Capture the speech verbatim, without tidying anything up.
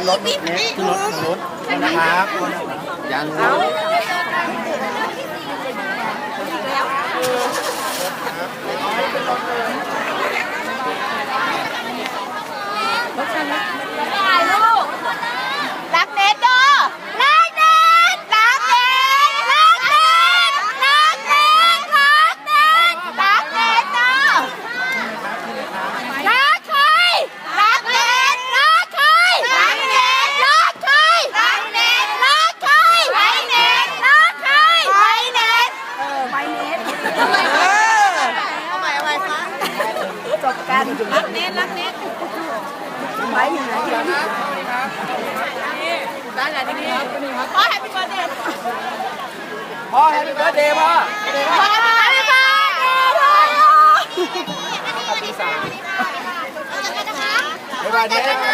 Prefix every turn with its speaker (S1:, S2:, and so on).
S1: รถเน็ตขึ้นรถขึ้นรถนะครับยัง
S2: ถ่ายรูปรักเน็ตด้อรักเน็ตรักเน็ตรักเน็ตรักเน็ตรักเน็ตรักเน็ตด้อรักใครรักเน็ตรักใครรักเน็ตรักใครรักเน็ตรักใครไปเน็ตรักใครไปเน็ตเออไปเน็ตเออเอาใหม่เอาใหม่คะจบกันรักเน็ตรักเน็ตไว้อยู่ไหนได้ไหนที่นี่พ่อแฮปปี้เบิร์ดเดย์พ่อแฮปปี้เบิร์ดเดย์พ่อพ่อแฮปปี้เบิร์ดเดย์พ่อปีสามบ๊ายบายเด็ก